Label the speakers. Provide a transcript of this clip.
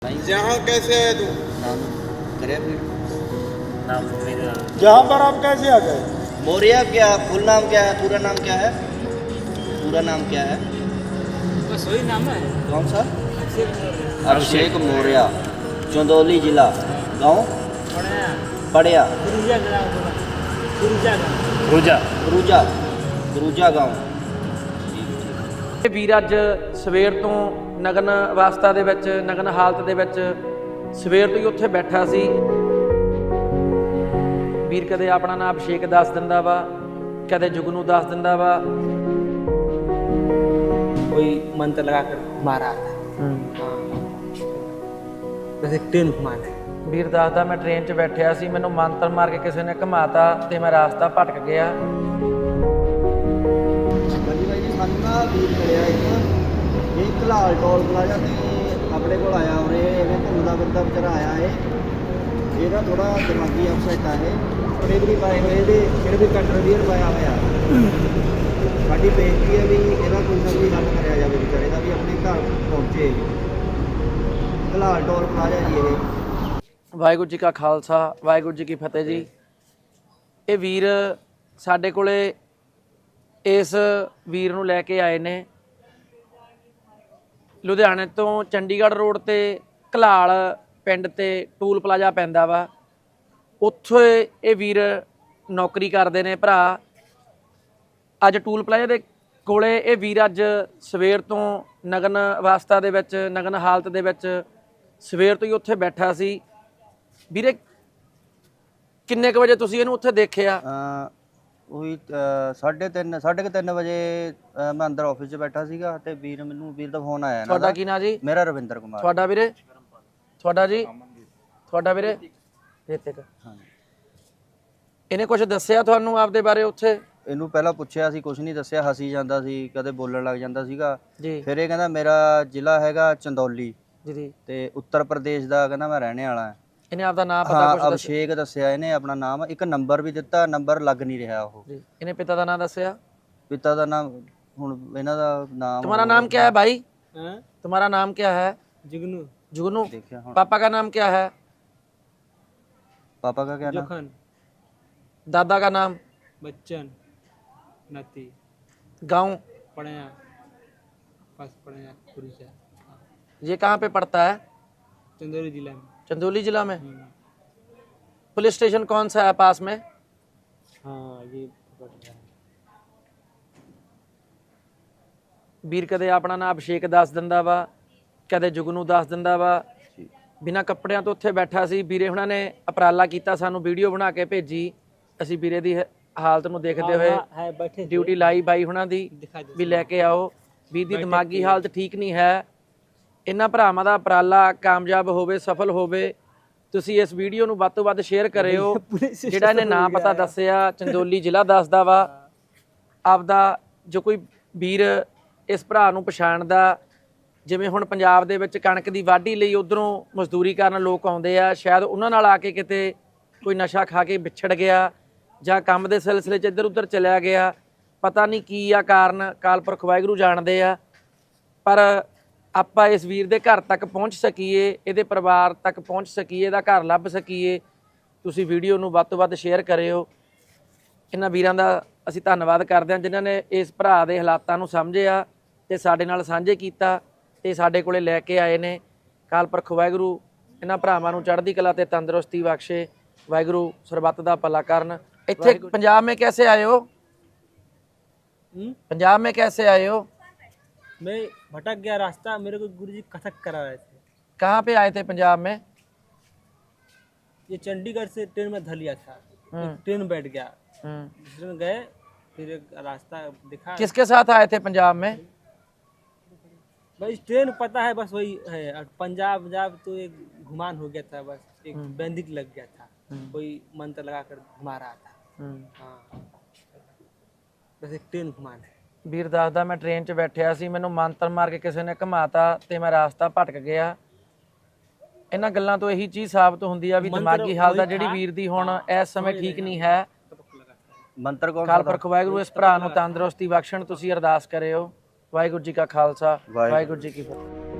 Speaker 1: यहाँ कैसे है तू?
Speaker 2: नाम करे फिर नाम मेरा
Speaker 1: यहाँ पर आप कैसे आ गए?
Speaker 2: मौर्य। क्या फुल नाम क्या है? पूरा नाम क्या है? पूरा नाम क्या है?
Speaker 3: बस वही नाम है।
Speaker 2: कौन सा? अभिषेक मौर्य। चंदौली जिला। गांव पड़िया। गुरुजा गांव।
Speaker 3: ਇਹ ਵੀਰ ਅੱਜ ਸਵੇਰ ਤੋਂ ਨਗਨ ਅਵਸਥਾ ਦੇ ਵਿੱਚ, ਨਗਨ ਹਾਲਤ ਦੇ ਵਿੱਚ ਸਵੇਰ ਤੋਂ ਹੀ ਉੱਥੇ ਬੈਠਾ ਸੀ। ਵੀਰ ਕਦੇ ਆਪਣਾ ਨਾਮ ਅਭਿਸ਼ੇਕ ਦੱਸ ਦਿੰਦਾ ਵਾ, ਕਦੇ ਜੁਗਨੂ ਦੱਸ ਦਿੰਦਾ ਵਾ।
Speaker 4: कोई मंत्र लगा कर मारा था। वैसे ट्रेन घुमाना।
Speaker 3: ਵੀਰ ਦੱਸਦਾ ਮੈਂ ਟ੍ਰੇਨ 'ਚ ਬੈਠਿਆ ਸੀ, ਮੈਨੂੰ ਮੰਤਰ ਮਾਰ ਕੇ ਕਿਸੇ ਨੇ ਘੁਮਾਤਾ ਤੇ ਮੈਂ ਰਾਸਤਾ ਭਟਕ ਗਿਆ।
Speaker 2: ਹਾਂਜੀ ਬਾਈ ਜੀ, ਸਾਨੂੰ ਨਾ ਵੀਰ ਮਿਲਿਆ ਇਹ ਕਲਾਲ ਟੋਲ ਪਲਾਜ਼ਾ ਤੇ ਆਪਣੇ ਕੋਲ ਆਇਆ ਉਰੇ। ਇਹਨੇ ਘੁੰਮਦਾ ਫਿਰਦਾ ਵਿਚਾਰਾ ਆਇਆ ਇਹਦਾ ਥੋੜਾ ਦਿਮਾਗੀ ਅਪਸੈਟ ਆ ਇਹ ਵੀ ਪਾਏ ਹੋਏ ਇਹਦੇ ਜਿਹੜੇ ਵੀ ਕੰਟਰਵੀਅਰ ਪਾਇਆ ਹੋਇਆ। ਸਾਡੀ ਬੇਨਤੀ ਹੈ ਵੀ ਇਹਦਾ ਕੋਈ ਨਾ ਕੋਈ ਹੱਲ ਕਰਿਆ ਜਾਵੇ ਵਿਚਾਰੇ ਦਾ, ਵੀ ਆਪਣੇ ਘਰ ਪਹੁੰਚੇ। ਕਲਾਲ ਟੋਲ ਪਲਾਜ਼ਾ ਜੀ ਇਹ।
Speaker 3: ਵਾਹਿਗੁਰੂ ਜੀ ਕਾ ਖਾਲਸਾ, ਵਾਹਿਗੁਰੂ ਜੀ ਕੀ ਫਤਿਹ ਜੀ। ਇਹ ਵੀਰ ਸਾਡੇ ਕੋਲੇ ਇਸ ਵੀਰ ਨੂੰ ਲੈ ਕੇ ਆਏ ਨੇ ਲੁਧਿਆਣੇ ਤੋਂ। ਚੰਡੀਗੜ੍ਹ ਰੋਡ ਤੇ ਘਲਾਲ ਪਿੰਡ ਤੇ ਟੂਲ ਪਲਾਜ਼ਾ ਪੈਂਦਾ ਵਾ, ਉੱਥੇ ਇਹ ਵੀਰ ਨੌਕਰੀ ਕਰਦੇ ਨੇ ਭਰਾ। ਅੱਜ ਟੂਲ ਪਲਾਜ਼ਾ ਦੇ ਕੋਲੇ ਇਹ ਵੀਰ ਅੱਜ ਸਵੇਰ ਤੋਂ ਨਗਨ ਅਵਸਥਾ ਦੇ ਵਿੱਚ, ਨਗਨ ਹਾਲਤ ਦੇ ਵਿੱਚ ਸਵੇਰ ਤੋਂ ਹੀ ਉੱਥੇ ਬੈਠਾ ਸੀ। ਵੀਰੇ ਕਿੰਨੇ ਕੁ ਵਜੇ ਤੁਸੀਂ ਇਹਨੂੰ ਉੱਥੇ ਦੇਖਿਆ?
Speaker 2: ਉਹੀ 3:30 ਵਜੇ ਮੈਂ ਅੰਦਰ ਆਫਿਸ 'ਚ ਬੈਠਾ ਸੀਗਾ ਤੇ ਵੀਰ ਦਾ ਫੋਨ ਆਇਆ।
Speaker 3: ਤੁਹਾਡਾ ਕੀ ਨਾਂ ਜੀ?
Speaker 2: ਮੇਰਾ ਰਵਿੰਦਰ ਕੁਮਾਰ।
Speaker 3: ਤੁਹਾਡਾ ਵੀਰੇ? ਤੁਹਾਡਾ ਜੀ? ਤੁਹਾਡਾ ਵੀਰੇ? ਰਿਤਿਕ। ਇਹਨੇ ਕੁਝ ਦੱਸਿਆ ਤੁਹਾਨੂੰ ਆਪਦੇ ਬਾਰੇ ਉੱਥੇ?
Speaker 2: ਇਹਨੂੰ ਪਹਿਲਾਂ ਪੁੱਛਿਆ ਸੀ, ਕੁਝ ਨਹੀਂ ਦੱਸਿਆ, ਹੱਸੀ ਜਾਂਦਾ ਸੀ, ਕਦੇ ਬੋਲਣ ਲੱਗ ਜਾਂਦਾ ਸੀਗਾ
Speaker 3: ਜੀ।
Speaker 2: ਫਿਰ ਇਹ ਕਹਿੰਦਾ ਮੇਰਾ ਜ਼ਿਲ੍ਹਾ ਹੈਗਾ ਚੰਦੌਲੀ
Speaker 3: ਜੀ
Speaker 2: ਤੇ ਉੱਤਰ ਪ੍ਰਦੇਸ਼ ਦਾ ਕਹਿੰਦਾ ਮੈਂ ਰਹਿਣੇ ਵਾਲਾ ਹਾਂ।
Speaker 3: ਇਹਨੇ ਆਪਦਾ ਨਾਮ ਪਤਾ ਕੁਝ
Speaker 2: ਅਭਿਸ਼ੇਕ ਦੱਸਿਆ ਇਹਨੇ ਆਪਣਾ ਨਾਮ। ਇੱਕ ਨੰਬਰ ਵੀ ਦਿੱਤਾ, ਨੰਬਰ ਲੱਗ ਨਹੀਂ ਰਿਹਾ ਉਹ।
Speaker 3: ਜੀ। ਇਹਨੇ ਪਿਤਾ ਦਾ ਨਾਮ ਦੱਸਿਆ?
Speaker 2: ਪਿਤਾ ਦਾ ਨਾਮ ਹੁਣ ਇਹਨਾਂ ਦਾ ਨਾਮ।
Speaker 3: तुम्हारा नाम क्या है भाई? तुम्हारा नाम क्या है?
Speaker 4: जुगनू।
Speaker 3: जुगनू।
Speaker 2: देखिए हाँ।
Speaker 3: पापा का नाम क्या है?
Speaker 2: पापा का क्या नाम?
Speaker 4: जोखन।
Speaker 3: दादा का नाम?
Speaker 4: बच्चन। नती।
Speaker 3: गांव?
Speaker 4: पढ़या। पास पढ़या कुरिचा।
Speaker 3: ये कहाँ पे पड़ता है?
Speaker 4: चंदौली जिला में।
Speaker 3: चंदौली जिला में। पुलिस स्टेशन कौन सा है पास में?
Speaker 4: हाँ ये पकड़ रहा है।
Speaker 3: ਵੀਰ ਕਦੇ ਆਪਣਾ ਨਾਮ ਅਭਿਸ਼ੇਕ ਦੱਸ ਦਿੰਦਾ ਵਾ, ਕਦੇ ਜੁਗਨੂ ਦੱਸ ਦਿੰਦਾ ਵਾ। ਬਿਨਾਂ ਕੱਪੜਿਆਂ ਤੋਂ ਉੱਥੇ ਬੈਠਾ ਸੀ। ਵੀਰੇ ਹੁਣਾਂ ਨੇ ਉਪਰਾਲਾ ਕੀਤਾ, ਸਾਨੂੰ ਵੀਡੀਓ ਬਣਾ ਕੇ ਭੇਜੀ। ਅਸੀਂ ਵੀਰੇ ਦੀ ਹਾਲਤ ਨੂੰ ਦੇਖਦੇ ਹੋਏ ਡਿਊਟੀ ਲਾਈ ਬਾਈ ਹੁਣਾਂ ਦੀ ਵੀ ਲੈ ਕੇ ਆਓ। ਵੀਰ ਦੀ ਦਿਮਾਗੀ ਹਾਲਤ ਠੀਕ ਨਹੀਂ ਹੈ। ਇਹਨਾਂ ਭਰਾਵਾਂ ਦਾ ਉਪਰਾਲਾ ਕਾਮਯਾਬ ਹੋਵੇ, ਸਫਲ ਹੋਵੇ। ਤੁਸੀਂ ਇਸ ਵੀਡੀਓ ਨੂੰ ਵੱਧ ਤੋਂ ਵੱਧ ਸ਼ੇਅਰ ਕਰਿਓ। ਜਿਹੜਾ ਇਹਨੇ ਨਾਮ ਪਤਾ ਦੱਸਿਆ, ਚੰਦੌਲੀ ਜ਼ਿਲ੍ਹਾ ਦੱਸਦਾ ਵਾ ਆਪਦਾ। ਜੋ ਕੋਈ ਵੀਰ ਇਸ ਭਰਾ ਨੂੰ ਪਛਾਣਦਾ, ਜਿਵੇਂ ਹੁਣ ਪੰਜਾਬ ਦੇ ਵਿੱਚ ਕਣਕ ਦੀ ਵਾਢੀ ਲਈ ਉਧਰੋਂ ਮਜ਼ਦੂਰੀ ਕਰਨ ਲੋਕ ਆਉਂਦੇ ਆ, ਸ਼ਾਇਦ ਉਹਨਾਂ ਨਾਲ ਆ ਕੇ ਕਿਤੇ ਕੋਈ ਨਸ਼ਾ ਖਾ ਕੇ ਵਿਛੜ ਗਿਆ ਜਾਂ ਕੰਮ ਦੇ ਸਿਲਸਿਲੇ 'ਚ ਇੱਧਰ ਉੱਧਰ ਚਲਿਆ ਗਿਆ। ਪਤਾ ਨਹੀਂ ਕੀ ਆ ਕਾਰਨ, ਅਕਾਲ ਪੁਰਖ ਵਾਹਿਗੁਰੂ ਜਾਣਦੇ ਆ। ਪਰ ਆਪਾਂ ਇਸ ਵੀਰ ਦੇ ਘਰ ਤੱਕ ਪਹੁੰਚ ਸਕੀਏ, ਇਹਦੇ ਪਰਿਵਾਰ ਤੱਕ ਪਹੁੰਚ ਸਕੀਏ, ਇਹਦਾ ਘਰ ਲੱਭ ਸਕੀਏ। ਤੁਸੀਂ ਵੀਡੀਓ ਨੂੰ ਵੱਧ ਤੋਂ ਵੱਧ ਸ਼ੇਅਰ ਕਰਿਓ। ਇਹਨਾਂ ਵੀਰਾਂ ਦਾ ਅਸੀਂ ਧੰਨਵਾਦ ਕਰਦੇ ਹਾਂ ਜਿਨ੍ਹਾਂ ਨੇ ਇਸ ਭਰਾ ਦੇ ਹਾਲਾਤਾਂ ਨੂੰ ਸਮਝਿਆ ਤੇ ਸਾਡੇ ਨਾਲ ਸਾਂਝੇ ਕੀਤਾ ਤੇ ਸਾਡੇ ਕੋਲੇ ਲੈ ਕੇ ਆਏ ਨੇ। ਅਕਾਲ ਪੁਰਖ ਵਾਹਿਗੁਰੂ ਇਹਨਾਂ ਭਰਾਵਾਂ ਨੂੰ ਚੜ੍ਹਦੀ ਕਲਾ ਤੇ ਤੰਦਰੁਸਤੀ ਬਖਸ਼ੇ। ਵਾਹਿਗੁਰੂ ਸਰਬੱਤ ਦਾ ਭਲਾ ਕਰਨ। ਇੱਥੇ ਪੰਜਾਬ में कैसे आए हो? पंजाब में कैसे आए हो?
Speaker 4: मैं भटक गया रास्ता, मेरे को गुरुजी कथक करा रहे थे।
Speaker 3: कहाँ पे आए थे पंजाब में?
Speaker 4: ये चंडीगढ़ से ट्रेन में धर लिया था। ट्रेन बैठ गया, ट्रेन गए, फिर एक रास्ता दिखा।
Speaker 3: किसके साथ आए थे पंजाब में?
Speaker 4: बस ट्रेन पता है, बस वही है। और पंजाब तो एक घुमान हो गया था, बस एक बैंदिक लग गया था, कोई मंत्र लगा कर घुमा रहा था। हाँ बस एक ट्रेन घुमान है।
Speaker 3: ਵੀਰ ਦੱਸਦਾ ਮੈਂ ਟ੍ਰੇਨ 'ਚ ਬੈਠਿਆ ਸੀ, ਮੈਨੂੰ ਮੰਤਰ ਮਾਰ ਕੇ ਕਿਸੇ ਨੇ ਘੁਮਾਤਾ ਤੇ ਮੈਂ ਰਾਸਤਾ ਭਟਕ ਗਿਆ। ਇਹਨਾਂ ਗੱਲਾਂ ਤੋਂ ਇਹੀ ਚੀਜ਼ ਸਾਬਤ ਹੁੰਦੀ ਆ ਵੀ ਦਿਮਾਗੀ ਹਾਲਤ ਆ ਜਿਹੜੀ ਵੀਰ ਦੀ ਹੁਣ ਇਸ ਸਮੇਂ ਠੀਕ ਨਹੀਂ ਹੈ।
Speaker 2: ਮੰਤਰ ਕੌਣ?
Speaker 3: ਅਕਾਲ ਪੁਰਖ ਵਾਹਿਗੁਰੂ ਇਸ ਭਰਾ ਨੂੰ ਤੰਦਰੁਸਤੀ ਬਖਸ਼ਣ। ਤੁਸੀਂ ਅਰਦਾਸ ਕਰਿਓ। ਵਾਹਿਗੁਰੂ ਜੀ ਕਾ ਖਾਲਸਾ, ਵਾਹਿਗੁਰੂ ਜੀ ਕੀ ਫਤਿਹ।